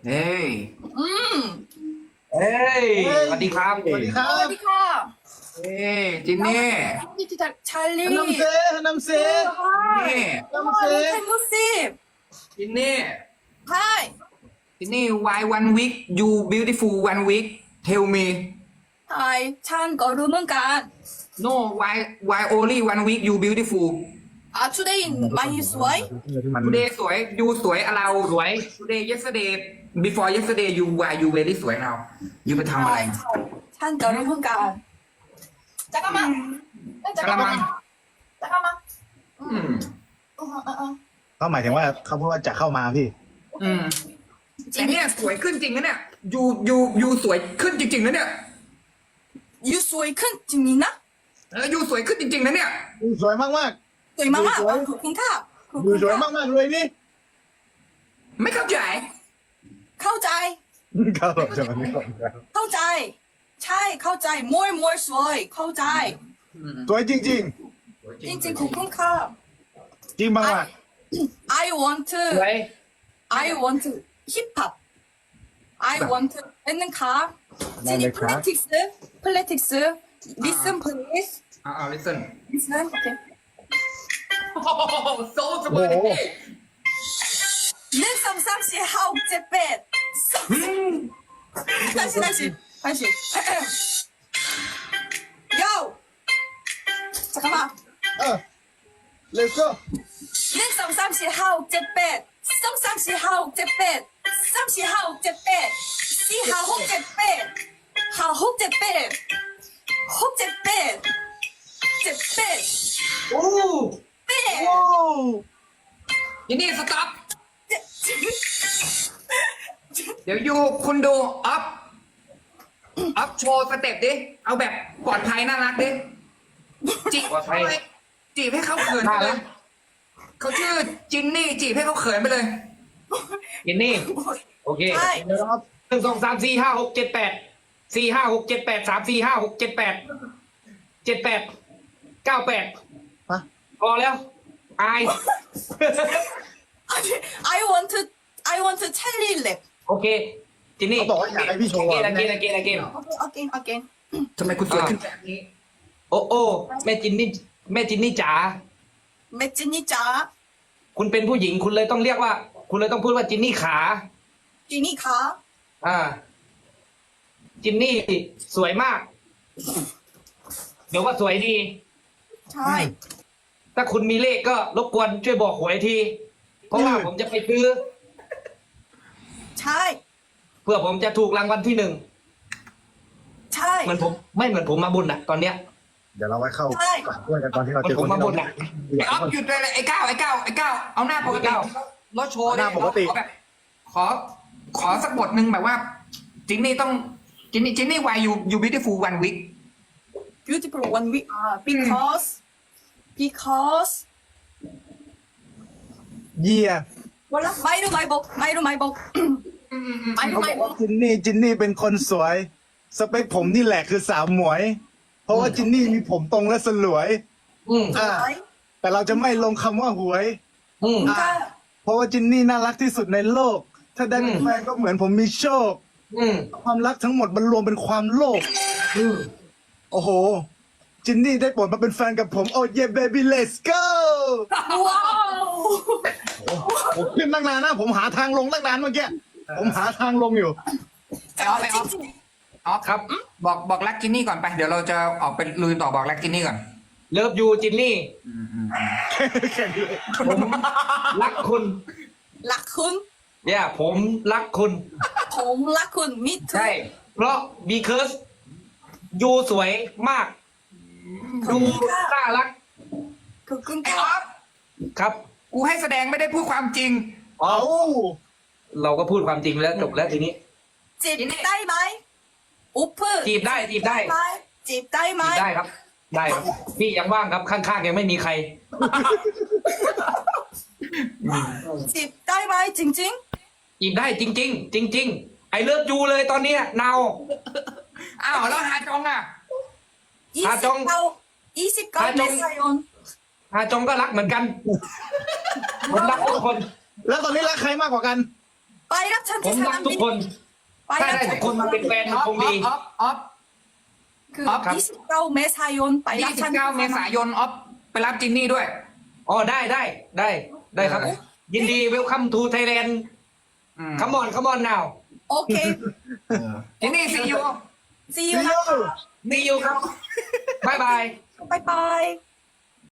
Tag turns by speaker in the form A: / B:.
A: เฮ้ย
B: อืม
A: เฮ้ยสวัสดีครับ
C: สวัสดีครั
B: สวั
C: บ
B: สดีค่ะ
A: เฮ้ยจินนี่
B: นี่ที่ชาลี
C: น้ำเซน้ำเซ
A: นี่
C: น้ำเซ
B: Can you see
A: จินนี่
B: Hi
A: จินนี่ why one week you beautiful one week tell me
B: Hi ฉันก็รู้เหมือนกัน
A: no why only one week you beautiful
B: Today ไม่สวย
A: today สวย you สวยเราสวย today yesterday before yesterday you why you very สวยเรา you ไปทำอะไร
B: ฉันก็รู้เหมือนกัน잠깐만
A: 잠깐만.
B: 잠깐만
A: อืม
C: เขาหมายถึงว่าเขาพูดว่าจะเข้ามาพี่
A: อืมแต่เนี่ยสวยขึ้นจริงนะเนี่ย you สวยขึ้นจริงๆนะเนี่ย
B: You สวยขึ้นจริงนะ
A: you สวยขึ้นจริงๆนะเนี่ย
C: สวยมากมาก
B: สวยมากๆขอบคุณค่ะขอบ
C: ดู
B: คุณ
C: สวย
B: ค่ะ
C: มากมากเลยนี่
A: ไม่เข้าใจ
B: เข้าใจ
C: เขาบอกจะมาไม่เข้าใจ
B: เข้าใจ ใช่เข้าใจ more สวยเข้าใจ
C: สวยจริง
B: จริงๆขอบคุณค่ะ
C: ๆ จริงมากมาก
B: I want to
A: สวย
B: I want to hip hop. I want to 는 가. 지니 politics. Listen please.
A: เอา listen
B: Listen. Okay.
A: โอ้โหโซ่สวย
B: 는 삼삼시 하우 제เป็ด 다시. Yo. 잠깐만.
C: let's go
B: 는 삼삼시 하우 제เป็ด 성삼시 하우 제เป็ด 삼시 하우 제เป็ด 시 하우 제เป็ด 하우 제เป็ด 호 제เป็ด 제เป็ด
A: โอ้
B: เป็ด
C: โอ้
A: ยินดีสต็อปเดี๋ยวยูคุณดูอัพโชว์สเต็ปดิ เอาแบบปลอดภัยน่ารักดิ จีบจีบให้เขาเขินไปเลยเขาชื่อจินนี่จีบให้เขาเขินไปเลย
D: ยินนี่ โอเค
B: ใช่
D: 1 2 3 4 5 6 7 8 4 5 6 7 8 3 4 5 6 7 8 7 8 9 8
C: ฮะ
D: พอแล้ว อาย
B: I want to tell you lip.
D: โอเค จินนี่
C: เขาบอกว่าอยากให้พี่โชว์
D: อเกน
B: Again.
A: ทำไมคุณสวยขึ้นแบบนี้
D: โอ้โอ้แม่จินนี่จ๋า
B: 매진이 자,
D: คุณเป็นผู้หญิงคุณเลยต้องเรียกว่า คุณเลยต้องพูดว่าจินนี่ขา
B: 지니 가.
D: อ่า จินนี่สวยมาก เดี๋ยวว่าสวยดี
B: 자,
D: ถ้าคุณมีเลขก็รบกวนช่วยบอกหวยที เพราะว่าผมจะไปซื้อ
B: 자,
D: เพื่อผมจะถูกรางวัลที่1
B: 자.
D: เหมือนผมไม่เหมือนผมมาบุญอ่ะ ตอนเนี้ย
C: เดี๋ยวเราไว้เข้าก่อนด้วยกันตอนที่เราเจอ
D: ผม
C: คน
D: มา
C: ที่
D: บ่
C: เรา
D: นอะ
A: ไอ้ออฟหยุดเลยไอ้ก้าวเอาหน้าปกติแล้วโชว์
C: หน้าปกติ
A: ขอแบบขอสักบทหนึ่งแบบว่า จินนี่ต้องจินนี่ why you beautiful one week
B: Beautiful one week. Because
C: เยี่ย
B: 몰라. 마이루 마이복.
C: เขาบอกว่าจินนี่เป็นคนสวย สเปคผมนี่แหละคือสาวหมวย เพราะว่าจินนี่มีผมตรงและสลวย
D: อืม
C: อ่า แต่เราจะไม่ลงคำว่าหวย
D: อืม
B: 그러니까
C: เพราะว่าจินนี่น่ารักที่สุดในโลก ถ้าได้เป็นแฟนก็เหมือนผมมีโชค
D: อืม
C: ความรักทั้งหมดมันรวมเป็นความโลภ
D: อืม
C: โอ้โห จินนี่ได้โปรดมาเป็นแฟนกับผม โอ้เย่เบบี้ let's go
B: 와우.
C: ผมขึ้นตั้งนานนะ ผมหาทางลงตั้งนานเมื่อกี้ ผมหาทางลงอยู่
A: ไอ้ออฟออฟครับบอกรักจินนี่ก่อนไป เดี๋ยวเราจะออกไปลุยต่อบอกรักจินนี่ก่อน
D: เลิฟยูจินนี่
C: แค่นี้เลย
D: ผมรักคุณ
B: 라쿤.
D: เนี่ยผมรักคุณ
B: 봄 라쿤. Me
D: ใช่
B: too.
D: เพราะ because ยูสวยมากดูน่ารัก
A: ไอ้ออ
B: 그러니까
A: ฟ
D: ครับ
A: กูให้แสดงไม่ได้พูดความจริง
D: อ๋อ
C: เอา
D: เราก็พูดความจริงแล้วจบแล้วทีนี้
B: 집 따이마이. 오픈.
D: จีบได้จีบได้
B: 따이마이. 집
D: จีบ
B: 따이마이.
D: ได้ครับ ได้ครับ พี่ยังว่างครับข้างๆยังไม่มีใคร
B: 집 따이마이 징징.
D: จีบได้จริง ๆ จริง ๆ ไอเลิฟยูเลยตอนเนี้ยนาว
A: อ้าวแล้วฮาจงอ่ะ
D: 하정.
B: 29
D: 하정.
B: 메사연.
D: ฮาจงก็รักเหมือนกัน ผมรักทุกคน
C: แล้วตอนนี้รักใครมากกว่ากัน
B: ไปรับฉัน
D: ผม
B: ที่ส
D: รั
B: นาก ม
D: ทุ
B: บิ
D: ก
B: น
D: คน
B: ไป
D: ถ้า
B: รับ
D: ได้
B: ฉั
D: ทุ
B: น
D: กคนมาเป็นแฟนมันคงดี
A: ออฟ
B: คือ
D: ครับ
B: 29 เมษายนไปรับฉัน
A: 29 เมษายนออฟไปรับจินนี่ด้วย
D: อ๋อได้ครับ ยินดีเวลคัมทูไทยแลนด์คัมอนนาว
B: โอเค
A: จินนี่ซียู
B: see you นะ
D: ดีอยู่ครับ บ๊ายบาย
B: บายบาย